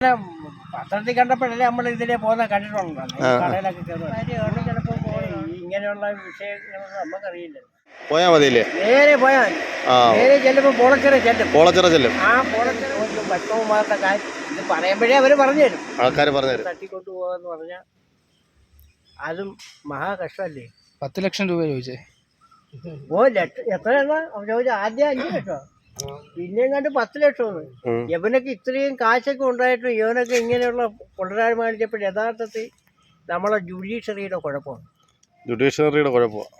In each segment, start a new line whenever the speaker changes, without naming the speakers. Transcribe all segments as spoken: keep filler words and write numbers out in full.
പത്രത്തിൽ കണ്ടപ്പോഴല്ലേ നമ്മൾ ഇതിലെ പോകുന്ന കണ്ടിട്ടുണ്ടല്ലോ കടയിലൊക്കെ കയറും ചിലപ്പോൾ ഇങ്ങനെയുള്ള വിഷയങ്ങളൊന്നും നമുക്കറിയില്ല.
പോയാ മതിയില്ലേ?
നേരെ പോയാൽ നേരെ ചെല്ലുമ്പോൾ പോളച്ചിറ ചെല്ലും
പോളച്ചിറ ചെല്ലും
ആ പോളച്ചിറ ഭക്ഷണവുമാരുടെ കാര്യം ഇത് പറയുമ്പോഴേ അവർ പറഞ്ഞു തരും.
ആൾക്കാർ പറഞ്ഞു തരും.
തട്ടിക്കൊണ്ടു പോകാന്ന് പറഞ്ഞാൽ അതും മഹാ കഷ്ടമല്ലേ.
പത്ത് ലക്ഷം രൂപ ചോദിച്ചേ.
ഓ ലക്ഷം എത്രയാണ് ചോദിച്ചാൽ ആദ്യം അഞ്ച് ലക്ഷം പിന്നെയും കണ്ട് പത്ത് ലക്ഷമാണ്. യവനൊക്കെ ഇത്രയും കാശൊക്കെ ഉണ്ടായിട്ടും യവനൊക്കെ ഇങ്ങനെയുള്ള കൊണ്ടുവരാൻ മേടിച്ചപ്പോൾ യഥാർത്ഥത്തിൽ നമ്മളെ ജുഡീഷ്യറിയുടെ കുഴപ്പമാണ്.
ജുഡീഷ്യറിയുടെ കുഴപ്പമാണ്.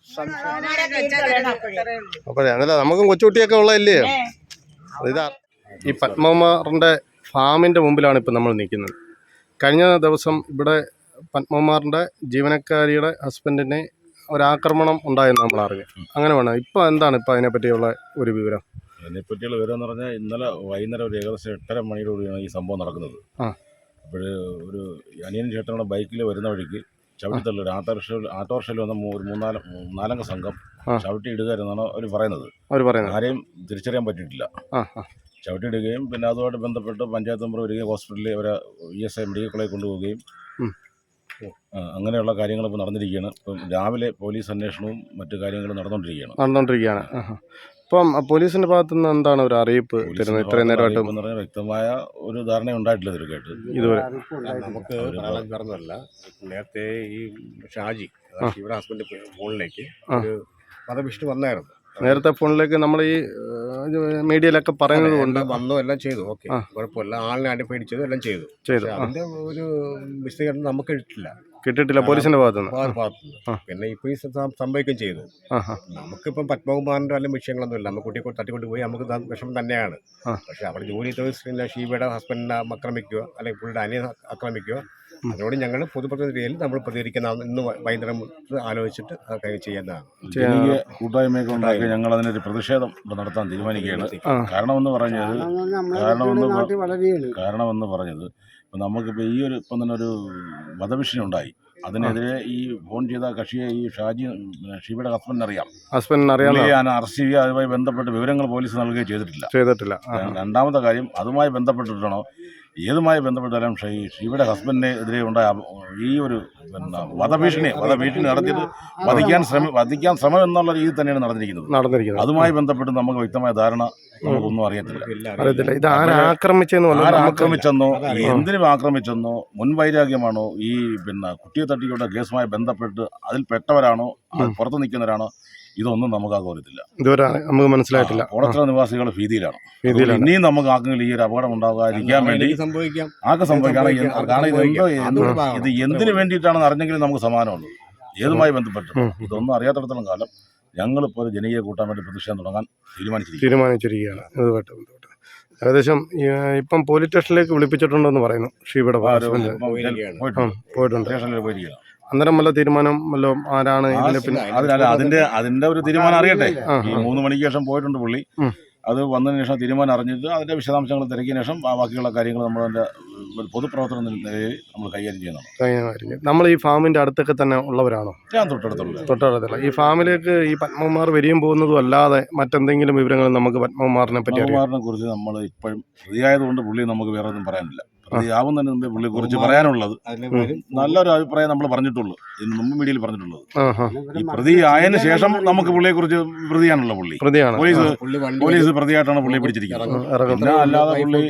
അപ്പോഴേ അതല്ല നമുക്കും കൊച്ചുകുട്ടിയൊക്കെ ഉള്ളതല്ലേ. ഇതാ ഈ പത്മകുമാറിൻ്റെ ഫാമിൻ്റെ മുമ്പിലാണ് ഇപ്പം നമ്മൾ നിൽക്കുന്നത്. കഴിഞ്ഞ ദിവസം ഇവിടെ പത്മകുമാറിൻ്റെ ജീവനക്കാരിയുടെ ഹസ്ബൻഡിനെ ഒരാക്രമണം ഉണ്ടായെന്ന് നമ്മൾ അറിഞ്ഞു. അങ്ങനെ വേണം ഇപ്പം എന്താണ് ഇപ്പം അതിനെപ്പറ്റിയുള്ള ഒരു വിവരം?
അതിനെപ്പറ്റിയുള്ള വിവരം എന്ന് പറഞ്ഞാൽ ഇന്നലെ വൈകുന്നേരം ഒരു ഏകദേശം എട്ടര മണിയോടുകൂടിയാണ് ഈ സംഭവം നടക്കുന്നത്. അപ്പോൾ ഒരു അനിയൻ ചേട്ടനുള്ള ബൈക്കിൽ വരുന്ന വഴിക്ക് ചവിട്ടിത്തള്ളി ഒരു ആട്ടോറിക്ഷയിൽ ആട്ടോറിക്ഷയിൽ വന്ന ഒരു മൂന്നാല് നാലംഗ സംഘം ചവിട്ടി ഇടുക എന്നാണ് അവർ പറയുന്നത്. അവർ പറയുന്നത് ആരെയും തിരിച്ചറിയാൻ പറ്റിയിട്ടില്ല. ചവിട്ടിയിടുകയും പിന്നെ അതുമായിട്ട് ബന്ധപ്പെട്ട് പഞ്ചായത്ത് മെമ്പർ വരികയും ഹോസ്പിറ്റലിൽ അവരെ ഇ എസ് ഐ മെഡിക്കൽ കോളേജിൽ കൊണ്ടുപോവുകയും അങ്ങനെയുള്ള കാര്യങ്ങൾ ഇപ്പോൾ നടന്നിരിക്കുകയാണ്. ഇപ്പം രാവിലെ പോലീസ് അന്വേഷണവും മറ്റു കാര്യങ്ങളും നടന്നുകൊണ്ടിരിക്കുകയാണ് നടന്നുകൊണ്ടിരിക്കുകയാണ്
ഇപ്പം പോലീസിന്റെ ഭാഗത്തു നിന്ന് എന്താണ് ഒരു അറിയിപ്പ് തരുന്നത്? ഇത്രയും നേരമായിട്ട്
എന്ന് പറഞ്ഞാൽ വ്യക്തമായ ഒരു ധാരണ ഉണ്ടായിട്ടില്ല ഇതൊക്കെയായിട്ട്
ഇതുവരെ.
നമുക്ക് പറഞ്ഞല്ല, നേരത്തെ ഈ ഷാജി ഇവിടെ ഹസ്ബൻഡ് ഫോണിലേക്ക് ഒരു വധഭീഷണി വന്നായിരുന്നു.
നേരത്തെ ഫോണിലേക്ക് നമ്മൾ ഈ മീഡിയയിലൊക്കെ പറയുന്നത് കൊണ്ട്
വന്നു എല്ലാം ചെയ്തു. ഓക്കെ, കുഴപ്പമില്ല. ആളിനെ അടി പേടിച്ചത് എല്ലാം ചെയ്തു ചെയ്തു അതിന്റെ ഒരു വിശദീകരണം നമുക്ക് കിട്ടില്ല
കിട്ടിയിട്ടില്ല പോലീസിന്റെ ഭാഗത്തുനിന്ന്.
പിന്നെ ഇപ്പൊ ഈ സംഭവിക്കുകയും ചെയ്തു. നമുക്കിപ്പം പത്മകുമാറിന്റെ വല്ല വിഷയങ്ങളൊന്നും ഇല്ല. നമുക്ക് കുട്ടിയെ തട്ടിക്കൊണ്ട് പോയി നമുക്ക് വിഷമം തന്നെയാണ്. പക്ഷെ അവിടെ ജോലി ചെയ്ത ഷീബയുടെ ഹസ്ബൻഡിനെ ആക്രമിക്കുക അല്ലെങ്കിൽ പുള്ളിയുടെ അനിയനെ ആക്രമിക്കുക, അതിനോട് ഞങ്ങൾ പൊതുപ്രതിനിധിയിൽ നമ്മൾ പ്രതികരിക്കുന്ന ഇന്ന് വൈകുന്നേരം ആലോചിച്ചിട്ട് അതൊക്കെ ചെയ്യുന്നതാണ്.
കൂട്ടായ്മയൊക്കെ ഉണ്ടാക്കി ഞങ്ങൾ അതിനൊരു പ്രതിഷേധം നടത്താൻ തീരുമാനിക്കുകയാണ്. കാരണമെന്ന് പറഞ്ഞത് കാരണമെന്ന് കാരണമെന്ന് പറഞ്ഞത് ഇപ്പം നമുക്കിപ്പോൾ ഈ ഒരു ഇപ്പം തന്നെ ഒരു വധഭീഷണി ഉണ്ടായി. അതിനെതിരെ ഈ ഫോൺ ചെയ്ത കക്ഷിയെ ഈ ഷാജി ഷീബയുടെ ഹസ്ബൻഡിന് അറിയാം
ഹസ്ബൻഡിന് അറിയാം
ഞാൻ അറസ്റ്റ് ചെയ്യുക അതുമായി ബന്ധപ്പെട്ട് വിവരങ്ങൾ പോലീസ് നൽകുകയും ചെയ്തിട്ടില്ല ചെയ്തിട്ടില്ല രണ്ടാമത്തെ കാര്യം അതുമായി ബന്ധപ്പെട്ടിട്ടാണോ ഏതുമായി ബന്ധപ്പെട്ടാലും ഷീ ഷീബയുടെ ഹസ്ബൻഡിനെതിരെ ഉണ്ടായ ഈ ഒരു പിന്നെ വധഭീഷണി വധഭീഷണി നടത്തിയിട്ട് വധിക്കാൻ ശ്രമ വധിക്കാൻ ശ്രമം എന്നുള്ള രീതിയിൽ തന്നെയാണ് നടന്നിരിക്കുന്നത് നടന്നിരിക്കുന്നത് അതുമായി ബന്ധപ്പെട്ട് നമുക്ക് വ്യക്തമായ ധാരണ നമുക്കൊന്നും അറിയത്തില്ല.
ഇത് ആക്രമിച്ചെന്നോ
ആക്രമിച്ചെന്നോ എന്തിനും ആക്രമിച്ചെന്നോ മുൻവൈരാഗ്യമാണോ ഈ പിന്നെ കുട്ടിയെ തട്ടിക്കൊണ്ട കേസുമായി ബന്ധപ്പെട്ട് അതിൽ പെട്ടവരാണോ അത് പുറത്ത് നിൽക്കുന്നവരാണോ ഇതൊന്നും നമുക്ക് ആകോരത്തില്ല.
ഇതുവരെ നമുക്ക് മനസ്സിലായിട്ടില്ല.
കോളച്ചിറ നിവാസികൾ ഭീതിയിലാണ്. ഇനിയും നമുക്ക് ആർക്കെങ്കിലും ഈ ഒരു അപകടം ഉണ്ടാകാതിരിക്കാൻ വേണ്ടി ആർക്കും സംഭവിക്കാം. കാരണം ഇതെന്തോ ഇത് എന്തിനു വേണ്ടിയിട്ടാണെന്ന് അറിഞ്ഞെങ്കിലും നമുക്ക് സമാനമുള്ളൂ. ഏതുമായി ബന്ധപ്പെട്ട് ഇതൊന്നും അറിയാത്തിടത്തോളം കാലം ഞങ്ങളിപ്പോൾ ഒരു ജനകീയ കൂട്ടാൻ വേണ്ടി പ്രതിഷേധം തുടങ്ങാൻ തീരുമാനിച്ചിരിക്കും തീരുമാനിച്ചിരിക്കുകയാണ് ഇതുമായിട്ട് ബന്ധപ്പെട്ട്. ഏകദേശം ഇപ്പം പോലീസ് സ്റ്റേഷനിലേക്ക് വിളിപ്പിച്ചിട്ടുണ്ടെന്ന് പറയുന്നു. ഷീബയുടെ പോയിട്ടുണ്ട് സ്റ്റേഷനിൽ പോയിരിക്കുകയാണ്.
അന്നേരം വല്ല തീരുമാനം വല്ല ആരാണ്
പിന്നെ അതിനല്ല അതിന്റെ അതിന്റെ ഒരു തീരുമാനം അറിയട്ടെ. ഈ മൂന്ന് മണിക്ക് ശേഷം പോയിട്ടുണ്ട് പുള്ളി. അത് വന്നതിന് ശേഷം തീരുമാനം അറിഞ്ഞിട്ട് അതിന്റെ വിശദാംശങ്ങൾ തിരക്കിയ ശേഷം ബാക്കിയുള്ള കാര്യങ്ങൾ നമ്മൾ അതിന്റെ പൊതുപ്രവർത്തന നിലയിൽ നമ്മൾ കൈകാര്യം ചെയ്യുന്നതാണ്.
നമ്മൾ ഈ ഫാമിന്റെ അടുത്തൊക്കെ തന്നെ ഉള്ളവരാണോ?
ഞാൻ തൊട്ടടുത്തുള്ള
തൊട്ടടുത്തുള്ള ഈ ഫാമിലേക്ക് ഈ പത്മകുമാർ വരികയും പോകുന്നതും അല്ലാതെ മറ്റെന്തെങ്കിലും വിവരങ്ങൾ നമുക്ക് പത്മകുമാറിനെ പറ്റി
പത്മകുമാറിനെ കുറിച്ച് നമ്മൾ ഇപ്പോഴും പ്രതിയായതുകൊണ്ട് പുള്ളി നമുക്ക് വേറെ ഒന്നും പറയാനില്ല. പ്രതിയാവുന്നതിന് മുമ്പേ പുള്ളിയെ കുറിച്ച് പറയാനുള്ളത് നല്ലൊരു അഭിപ്രായം നമ്മൾ പറഞ്ഞിട്ടുള്ളൂ. ഇതിന് മുമ്പ് മീഡിയയിൽ പറഞ്ഞിട്ടുള്ളത് ഈ പ്രതി ആയതിനു ശേഷം നമുക്ക് പുള്ളിയെ കുറിച്ച് പ്രതിയാണുള്ള പുള്ളി പ്രതിയാണ്. പോലീസ് പോലീസ് പ്രതിയായിട്ടാണ് പുള്ളിയെ പിടിച്ചിരിക്കുന്നത്. പിന്നെ അല്ലാതെ പുള്ളി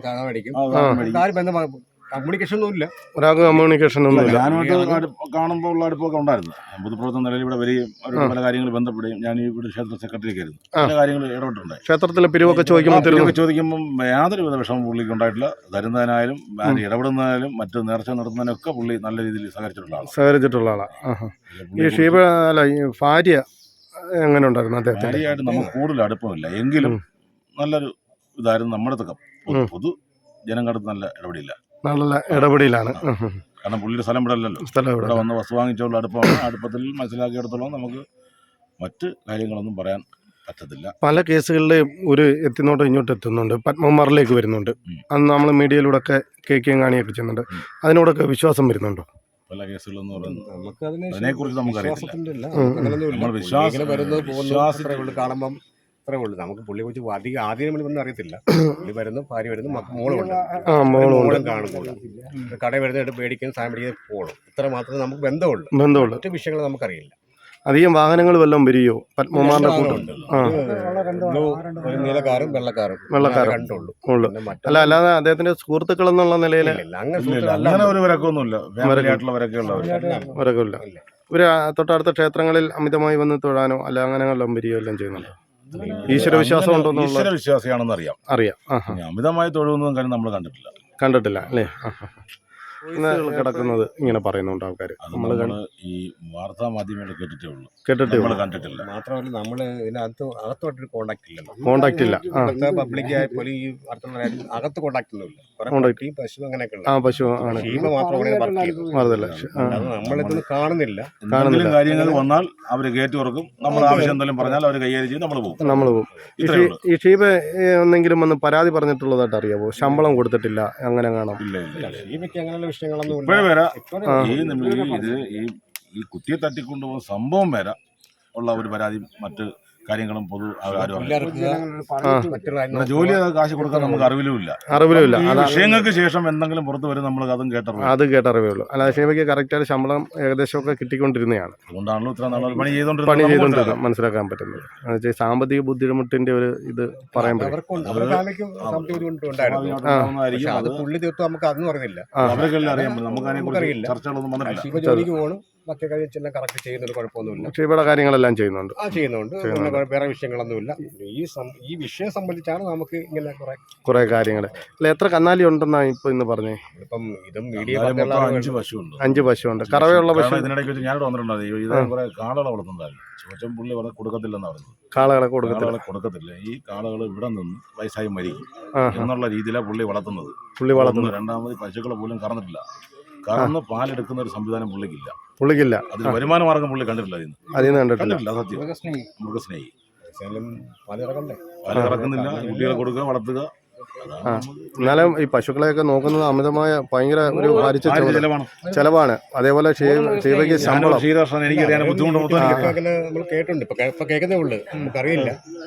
കമ്മ്യൂണിക്കേഷൻ ഒന്നുമില്ല.
ഒരാൾക്ക് കമ്മ്യൂണിക്കേഷൻ ഒന്നുമില്ല.
ഞാനുമായിട്ട് കാണുമ്പോൾ ഉള്ള അടുപ്പൊക്കെ ഉണ്ടായിരുന്നു. പൊതുപ്രവർത്തന നിലയിൽ ഇവിടെ വരികയും അവരുടെ പല കാര്യങ്ങൾ ബന്ധപ്പെടുകയും ഞാൻ ഇവിടെ ക്ഷേത്ര സെക്രട്ടറിയൊക്കെ ആയിരുന്നു. പല കാര്യങ്ങൾ ഇടപെട്ടിട്ടുണ്ട്.
ക്ഷേത്രത്തിലെ പിരിവൊക്കെ ചോദിക്കുമ്പോൾ
ചോദിക്കുമ്പോൾ യാതൊരു വിധ വിഷമം പുള്ളിക്ക് ഉണ്ടായിട്ടില്ല. തരുന്നതിനായാലും ഇടപെടുന്നതിനായാലും മറ്റു നേർച്ച നടത്തുന്നതിനൊക്കെ പുള്ളി നല്ല രീതിയിൽ സഹകരിച്ചിട്ടുള്ള ആളാണ്
സഹകരിച്ചിട്ടുള്ള ആളാണ് ഈ ഷീബ. അല്ല ഈ ഭാര്യ എങ്ങനെ ഉണ്ടായിരുന്നു? അദ്ദേഹത്തെ
ഭാര്യയായിട്ട് നമുക്ക് കൂടുതൽ അടുപ്പമില്ല എങ്കിലും നല്ലൊരു ഇതായിരുന്നു. നമ്മുടെ തക്കം പൊതു ജനങ്ങളുടെ നല്ല ഇടപെടില്ല
നല്ല ഇടപെടലാണ്.
കാരണം പുള്ളിയുടെ സ്ഥലം ഇവിടെ അല്ലല്ലോ. സ്ഥലം ഇവിടെ വന്ന് വസ്തു വാങ്ങിച്ചുള്ള അടുപ്പമാണ്. അടുപ്പത്തിൽ മനസ്സിലാക്കിയെടുത്തോളം നമുക്ക് മറ്റ് കാര്യങ്ങളൊന്നും പറയാൻ പറ്റത്തില്ല.
പല കേസുകളിലും ഒരു എത്തിനോട്ട് ഇങ്ങോട്ട് എത്തുന്നുണ്ട്, പത്മകുമാറിലേക്ക് വരുന്നുണ്ട്. അന്ന് നമ്മൾ മീഡിയയിലൂടെ ഒക്കെ കേൾക്കുകയും കാണുകയൊക്കെ ചെയ്യുന്നുണ്ട്. അതിനോടൊക്കെ വിശ്വാസം വരുന്നുണ്ടോ?
പല കേസുകളെന്ന് പറയുന്നത് അതിനെക്കുറിച്ച് നമുക്കറിയാം. നമ്മൾ വിശ്വാസം
കാണുമ്പം അത്രേ ഉള്ളൂ. നമുക്ക് പുള്ളിയെ കുറിച്ച് അധികം ആദ്യം ഒന്നും അറിയത്തില്ല. പുള്ളി വരുന്നു, ഭാര്യ വരുന്നു, മോളുണ്ട്,
ആ മോളും
മോളും കാണുമ്പോൾ കട വരുന്നതായിട്ട് മേടിക്കുന്ന സാധനം മേടിക്കുന്ന പോകണം. ഇത്ര മാത്രമേ നമുക്ക് ബന്ധമുള്ളൂ.
ബന്ധമുള്ളൂ.
മറ്റു വിഷയങ്ങൾ നമുക്കറിയില്ല.
അധികം വാഹനങ്ങൾ വല്ലതും വരികയോ പത്മകുമാറിന്റെ കൂട്ടം? ആ
ഒരു നീലക്കാരും വെള്ളക്കാരും
വെള്ളക്കാരും
കണ്ടുള്ളൂ.
ഉള്ളു. അല്ല, അല്ലാതെ അദ്ദേഹത്തിന്റെ സുഹൃത്തുക്കൾ എന്നുള്ള നിലയിൽ
അങ്ങനെ ഒരു വരക്കൊന്നുമില്ല.
വരക്കില്ല. ഇവര് തൊട്ടടുത്ത ക്ഷേത്രങ്ങളിൽ അമിതമായി വന്ന് തൊഴാനോ അല്ല അങ്ങനെ വല്ലതും വരികയോ എല്ലാം ചെയ്യുന്നുണ്ട്. ഈശ്വര വിശ്വാസം ഉണ്ടോ?
ഈശ്വര വിശ്വാസിയാണെന്ന് അറിയാം.
അറിയാം.
അമിതമായി തൊഴുന്നതും കാര്യം നമ്മൾ കണ്ടിട്ടില്ല.
കണ്ടിട്ടില്ല അല്ലേ? കിടക്കുന്നത് ഇങ്ങനെ പറയുന്നുണ്ട് ആൾക്കാർ.
നമ്മൾ
ഈ വാർത്താ മാധ്യമങ്ങൾ കേട്ടിട്ടേ ഉള്ളൂ,
കേട്ടിട്ടേ
നമ്മൾ കണ്ടിട്ടില്ല.
മാത്രമല്ല നമ്മൾ ഇതിനകത്ത് അകത്തോട്ടൊരു കോണ്ടാക്ട് ഇല്ലല്ലോ.
കോണ്ടാക്ട് ഇല്ല.
പബ്ലിക് ആയാലും ഈ അടുത്തുള്ള അകത്ത് കോണ്ടാക്ട് ഒന്നുമില്ല. പശു അങ്ങനെയൊക്കെ
ആ പശു ആണ്
മാത്രമാണ് നമ്മളിതൊന്നും കാണുന്നില്ല.
എന്തെങ്കിലും കാര്യങ്ങൾ വന്നാൽ അവർ ഗേറ്റ് തുറക്കും. നമ്മൾ ആവശ്യം എന്തെങ്കിലും പറഞ്ഞാൽ അവർ കൈകാര്യം ചെയ്ത് നമ്മൾ പോകും.
നമ്മൾ പോകും. ഈ ഷീബ എന്തെങ്കിലും വന്ന് പരാതി പറഞ്ഞിട്ടുള്ളതായിട്ട് അറിയാമോ? ശമ്പളം കൊടുത്തിട്ടില്ല അങ്ങനെ കാണാം?
ഇല്ല ഇല്ല,
ഷീബയ്ക്ക് അങ്ങനെയുള്ള വിഷയങ്ങളൊന്നും
ഇപ്പോഴേ വരാം. ഈ ഇത് ഈ ഈ കുട്ടിയെ തട്ടിക്കൊണ്ടുപോകുന്ന സംഭവം വരെ ഉള്ള ഒരു പരാതി മറ്റ് കാര്യങ്ങളും പൊതു ജോലി കാശ് കൊടുക്കാൻ നമുക്ക് അറിവിലുമില്ല.
അറിവിലുമില്ല.
വിഷയങ്ങൾക്ക് ശേഷം എന്തെങ്കിലും പുറത്ത് വരും, നമ്മൾ അതും കേട്ടറിവ്
അത് കേട്ടറിവേ ഉള്ളൂ. അല്ലാതെ ഷീബയ്ക്ക് കറക്റ്റായിട്ട് ശമ്പളം ഏകദേശമൊക്കെ കിട്ടിക്കൊണ്ടിരുന്നതാണ്.
അതുകൊണ്ടാണല്ലോ ഇത്ര നാൾ പണി ചെയ്തോണ്ട്
പണി ചെയ്തുകൊണ്ടിരുന്നത് മനസ്സിലാക്കാൻ പറ്റുന്നത്. എന്നുവെച്ചാൽ സാമ്പത്തിക ബുദ്ധിമുട്ടിന്റെ ഒരു ഇത് പറയാൻ പറ്റും.
അത് പുള്ളി തീർത്തും നമുക്ക് അതൊന്നും അറിയില്ല.
അവർക്കെല്ലാം അറിയാൻ പറ്റും. നമുക്ക് അതിനെക്കുറിച്ച് ചർച്ചകളൊന്നും വന്നിട്ടില്ല.
ജോലിക്ക് പോകണം, മറ്റേ കാര്യം കറക്റ്റ് ചെയ്യുന്നത് കുഴപ്പമൊന്നുമില്ല.
ഷീബയുടെ കാര്യങ്ങളെല്ലാം ചെയ്യുന്നുണ്ട്.
ആ ചെയ്യുന്നുണ്ട്. വേറെ വിഷയങ്ങളൊന്നുമില്ല. ഈ ഈ വിഷയം സംബന്ധിച്ചാണ് നമുക്ക് ഇങ്ങനെ കുറെ
കുറെ കാര്യങ്ങൾ. അല്ല, എത്ര കന്നാലി ഉണ്ടെന്നാ ഇപ്പൊ ഇന്ന് പറഞ്ഞേ?
ഇപ്പം ഇതും മീഡിയ
അഞ്ച് പശുണ്ട്.
അഞ്ച് പശുണ്ട്. കറവയുള്ള പശു
ഇതിനിടയ്ക്ക് വെച്ച് ഞാനിവിടെ വന്നിട്ടുണ്ടായിരുന്നു. ഇത് കുറെ കാളകളെ വളർത്തുന്നതായിരുന്നു. ചോദിച്ചാൽ പുള്ളി പറഞ്ഞ് കൊടുക്കത്തില്ലെന്ന് പറഞ്ഞു.
കാളകളെ കൊടുക്കത്തില്ല
കൊടുക്കത്തില്ല ഈ കാളകൾ ഇവിടെ നിന്ന് വയസ്സായി മരിക്കും എന്നുള്ള രീതിയിലാണ് പുള്ളി വളർത്തുന്നത്.
പുള്ളി വളർത്തുന്നു.
രണ്ടാമത് പശുക്കളെ പോലും കറന്നിട്ടില്ല. കറന്ന് പാലെടുക്കുന്ന ഒരു സംവിധാനം പുള്ളിക്കില്ല.
പുള്ളിക്കില്ല.
അതിന് വരുമാന മാർഗം പുള്ളി കണ്ടിട്ടില്ല.
അതിന് കണ്ടിട്ടില്ല.
സത്യം. മൃഗസ്നേഹി.
പാല്
കറക്കുന്നില്ല. കുട്ടികളെ കൊടുക്കുക, വളർത്തുക.
എന്നാലും ഈ പശുക്കളെയൊക്കെ നോക്കുന്നത് അമിതമായ ഭയങ്കര ഒരു ഭാരിച്ച
ചെലവാണ്
ചെലവാണ്. അതേപോലെ ഷീബയ്ക്ക് ശമ്പളം
എനിക്കറിയാൻ ബുദ്ധിമുട്ട്
നമ്മൾ കേട്ടിട്ടുണ്ട്. ഇപ്പൊ കേൾക്കുന്നേ ഉള്ളു, നമുക്കറിയില്ല.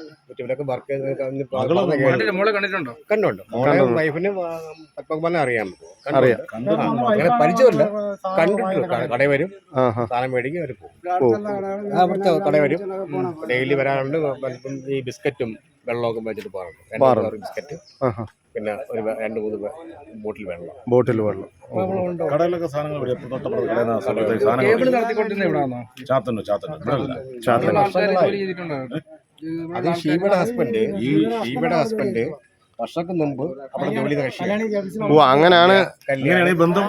കണ്ടുണ്ട്. വൈഫിന് പത്മകുമാറിനെ അറിയാം.
അറിയാം.
അങ്ങനെ പരിചയമില്ല. കണ്ടിട്ടുണ്ട്. കടയിൽ വരും, സാധനം മേടിക്കും, അവർ പോകും. അവിടുത്തെ കടയിൽ വരും, ഡെയിലി വരാറുണ്ട്. ഈ ബിസ്ക്കറ്റും വെള്ളമൊക്കെ വെച്ചിട്ട് പോകാറുണ്ട്. ബിസ്ക്കറ്റ്, പിന്നെ ഒരു രണ്ട് മൂന്ന് ബോട്ടിൽ വെള്ളം.
ബോട്ടിൽ വെള്ളം.
കടയിലൊക്കെ സാധനങ്ങൾ
അത് ഷീബയുടെ ഹസ്ബൻഡ് ഈ ഷീബയുടെ ഹസ്ബൻഡ് വർഷങ്ങൾക്ക് മുമ്പ് അവിടെ ജോലി കക്ഷിയാണ്.
ഓ അങ്ങനെയാണ്
ബന്ധം.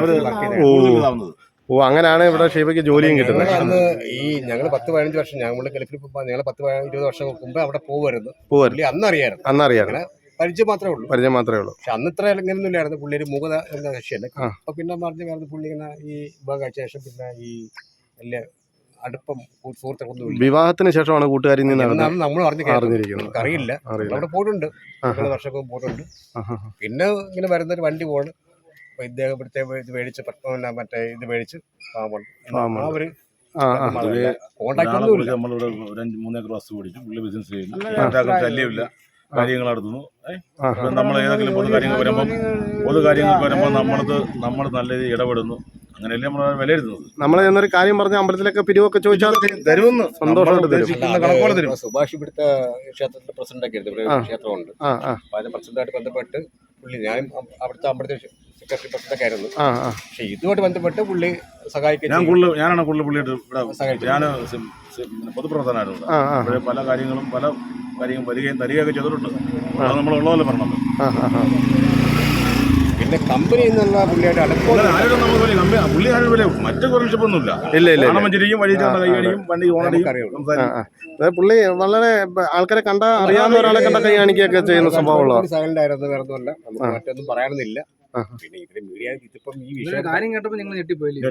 ഓ അങ്ങനെയാണ് ഇവിടെ ഷീബയ്ക്ക് ജോലിയും കിട്ടുന്നത്.
അന്ന് ഈ ഞങ്ങൾ പത്ത് പതിനഞ്ച് വർഷം ഞങ്ങൾ ഗൾഫിൽ ഞങ്ങൾ പത്ത് ഇരുപത് വർഷം മുമ്പ് അവിടെ പോകുമായിരുന്നു. അന്നറിയായിരുന്നു.
അന്നറിയായിരുന്നു.
പരിചയം മാത്രമേ ഉള്ളൂ.
പരിചയം മാത്രമേ ഉള്ളൂ.
പക്ഷെ അന്ന് ഇത്ര ഇങ്ങനെയൊന്നും ഇല്ലായിരുന്നു. പുള്ളി ഒരു മൂകത എന്ന കക്ഷിയല്ല. അപ്പൊ പിന്നെ പറഞ്ഞു കാരണം പുള്ളി ഇങ്ങനെ ഈ വിവാഹം കഴിച്ച ശേഷം പിന്നെ ഈ വലിയ അടുപ്പം സുഹൃത്തുക്കളൊന്നും
വിവാഹത്തിന് ശേഷമാണ് കൂട്ടുകാരിൽ നിന്ന്
നമ്മൾ അറിഞ്ഞിരിക്കുന്നത്. അറിയില്ല. അവിടെ പോയിട്ടുണ്ട്, വർഷമൊക്കെ പോയിട്ടുണ്ട്. പിന്നെ ഇങ്ങനെ വരുന്നൊരു വണ്ടി പോണ്. അപ്പൊ ഇദ്ദേഹം ഇവിടുത്തെ ഇത് മേടിച്ച് മറ്റേ ഇത് മേടിച്ച് ആ ഒരു കോണ്ടാക്ട് ഒന്നുമില്ല.
നമ്മളിവിടെ ഒരു മൂന്നേക്കർ വസ്തു മേടിച്ചു. പുള്ളി ബിസിനസ് ചെയ്യുന്നു. ശല്യമില്ല. കാര്യങ്ങൾ നടത്തുന്നു. നമ്മൾ ഏതെങ്കിലും പൊതു കാര്യങ്ങൾ വരുമ്പം പൊതു കാര്യങ്ങൾക്ക് വരുമ്പോൾ നമ്മളത് നമ്മൾ നല്ല രീതിയിൽ ഇടപെടുന്നു. അങ്ങനെയല്ലേ നമ്മൾ വിലയിരുത്തുന്നത്.
നമ്മൾ എന്നൊരു കാര്യം പറഞ്ഞ അമ്പലത്തിലൊക്കെ പിരിവൊക്കെ ചോദിച്ചാൽ തരുമെന്ന് സന്തോഷമായിട്ട് തരും.
സുഭാഷ് ഇവിടുത്തെ ക്ഷേത്രത്തിന്റെ പ്രസിഡന്റ് ഒക്കെ ആയിരുന്നു. ക്ഷേത്രമുണ്ട്. അപ്പൊ അതിന്റെ പ്രസിഡന്റായിട്ട് ബന്ധപ്പെട്ട് പുള്ളി ഞാനും അവിടുത്തെ അമ്പലത്തെ സെക്രട്ടറി പ്രസിഡന്റ് ആയിരുന്നു. പക്ഷെ ഇതുമായിട്ട് ബന്ധപ്പെട്ട് പുള്ളി സഹായിക്കും.
ഞാൻ കൂടുതൽ ഞാനാണ് കൂടുതൽ പുള്ളിയായിട്ട് ഇവിടെ ഞാൻ പൊതുപ്രവർത്തനായിരുന്നു. ഇവിടെ പല കാര്യങ്ങളും പല കാര്യങ്ങളും വരികയും തരികയൊക്കെ ചെയ്തിട്ടുണ്ട്. അത് നമ്മൾ ഉള്ളതല്ലേ പറഞ്ഞത്.
പിന്നെ കമ്പനി എന്നുള്ള പുള്ളിയായിട്ട്
അടുപ്പം പുള്ളി ആരും വില മറ്റു കുറച്ചൊന്നുമില്ല.
ഇല്ല ഇല്ല
മഞ്ചരിക്കും വഴി കൈകാണിക്കും വണ്ടി ഓണടിക്കും.
പുള്ളി വളരെ ആൾക്കാരെ കണ്ട അറിയാവുന്ന ഒരാളെ കണ്ട കൈ കാണിക്കുകയൊക്കെ ചെയ്യുന്ന സ്വഭാവമുള്ള
സൈലന്റ് ആയിരുന്നു. വേറെ ഒന്നുമല്ല, നമുക്ക് മറ്റൊന്നും പറയാനൊന്നുമില്ല. പിന്നെ ഇതിന് മീഡിയ ഇതിപ്പം ഈ വിഷയം കാര്യം കേട്ടപ്പോൾ നിങ്ങൾ ഞെട്ടിപ്പോയില്ലേ?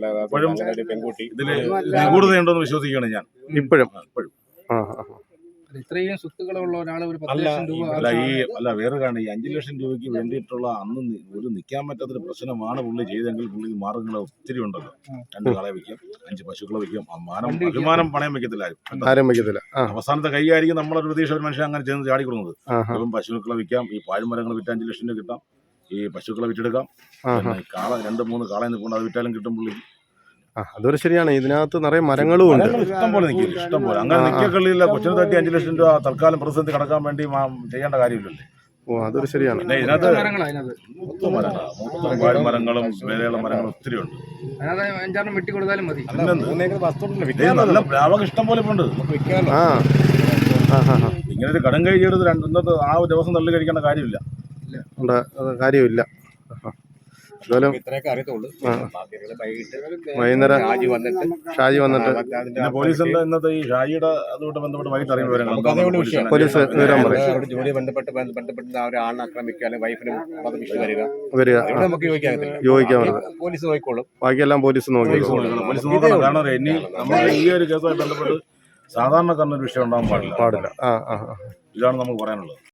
പെൺകുട്ടി ഇതില് നിഗൂഢതയുണ്ടോന്ന് വിശ്വസിക്കുകയാണ് ഞാൻ
ഇപ്പോഴും.
ഇത്രയും സ്വത്തുക്കളുള്ള ഒരാൾ ഒരു പത്ത്
അല്ല,
ലക്ഷം രൂപ
അല്ല ഈ അല്ല വേറെ കാരണം ഈ അഞ്ചു ലക്ഷം രൂപയ്ക്ക് വേണ്ടിയിട്ടുള്ള അന്ന് നി- ഒരു നിൽക്കാൻ പറ്റാത്തൊരു പ്രശ്നമാണ് പുള്ളി ചെയ്തെങ്കിൽ പുള്ളി മാർഗങ്ങൾ ഒത്തിരി ഉണ്ടല്ലോ. രണ്ട് കാളെ വിൽക്കും, അഞ്ച് പശുക്കളെ വിൽക്കും, അമ്മാനം
വണ്ടി വിൽക്കും.
അഭിമാനം പണയം വെക്കത്തില്ല ആരും. എന്താ?
ആരും വയ്ക്കത്തില്ല. ആ
അവസാനത്തെ കൈയായിരിക്കും നമ്മളൊരു പ്രതീക്ഷ ഒരു മനുഷ്യൻ അങ്ങനെ ചെയ്യുന്നത് ചാടിക്കൊടുക്കുന്നത്.
ആ ആ
ഇപ്പം പശുക്കളെ വിൽക്കാം, ഈ പാഴ്മരങ്ങൾ വിറ്റ് അഞ്ച് ലക്ഷം രൂപ കിട്ടാം, ഈ പശുക്കളെ വിറ്റെടുക്കാം,
ആ
പിന്നെ ഈ കാള രണ്ട് മൂന്ന് കാളെ നിൽക്കൊണ്ട് അത് വിറ്റാലും കിട്ടും പുള്ളി.
ആ അതൊരു ശരിയാണ്. ഇതിനകത്ത് നിറയെ മരങ്ങളും ഉണ്ട്.
മരങ്ങൾ ഇഷ്ടം പോലെ നിൽക്കില്ല, ഇഷ്ടം പോലെ. അങ്ങനെ നിൽക്കക്കളിയില്ല. കൊച്ചിന് തട്ടി അഞ്ച് ലക്ഷം രൂപ തൽക്കാലം പ്രതിസന്ധി കടക്കാൻ വേണ്ടി മാ- ചെയ്യേണ്ട കാര്യമില്ലല്ലേ.
ഓ അതൊരു ശരിയാണ്.
പിന്നെ ഇതിനകത്ത്
മരങ്ങളാണ് അതിനകത്ത്.
മൊത്തം മരങ്ങളാണ്, മൊത്തം പാഴ്മരങ്ങളും വിലയുള്ള മരങ്ങളും ഒത്തിരി ഉണ്ട്.
അതിനകത്ത് അഞ്ചാറെണ്ണം വെട്ടി കൊടുത്താലും മതി.
അല്ല, മൂന്നേക്കർ വസ്തുണ്ടല്ലോ,
ഇത്
വിൽക്കാമല്ലോ,
നല്ല ലാഭം ഇഷ്ടം പോലെ ഇപ്പൊ ഉണ്ട്.
നമുക്ക് വിൽക്കാമല്ലോ.
ആ ആ ആ ആ
ഇങ്ങനെ ഒരു കടം കഴിച്ചെടുത്ത് രണ്ട് ഇന്നത്തെ ആ ഒരു ദിവസം തള്ളി കഴിക്കേണ്ട കാര്യമില്ല.
ഉണ്ട്. അത് കാര്യമില്ല. ആ. എന്തായാലും
ഇത്രയൊക്കെ അറിയത്തുള്ളൂ.
ആ.
ബാക്കിയുള്ള വൈകിട്ട്
വൈകുന്നേരം
രാജി വന്നിട്ട്
ഷാജി വന്നിട്ട്
അതിന്റെ
പിന്നെ പോലീസിന്റെ ഇന്നത്തെ ഈ ഷാജിയുടെ അതുകൊണ്ട് ബന്ധപ്പെട്ട് വൈകിട്ട് അറിയുന്ന വിവരങ്ങൾ
നമുക്ക് അതേ ഉള്ളൂ വിഷയം.
പോലീസ് വിവരം പറയും.
അവരുടെ ജോലി ബന്ധപ്പെട്ട് ബന്ധപ്പെട്ട് ആ ഒരു ആളിനെ ആക്രമിക്കുക അല്ലെങ്കിൽ വൈഫിനും വിഷയം വരിക,
വരിക.
ഇവിടെ നമുക്ക് യോജിക്കാകത്തില്ല.
യോജിക്കാൻ
പോലീസ് നോക്കിക്കോളും.
ബാക്കിയെല്ലാം പോലീസ്
പോലീസ്
നോക്കിക്കോളും.
നോക്കണം. പോലീസ് നോക്കണം. കാരണം ഇനി നമ്മൾ ഈ ഒരു കേസുമായി ബന്ധപ്പെട്ട് സാധാരണക്കാരനൊരു വിഷയം ഉണ്ടാകാൻ പാടില്ല.
പാടില്ല. ആ ആ ആ
ഇതാണ് നമുക്ക് പറയാനുള്ളത്.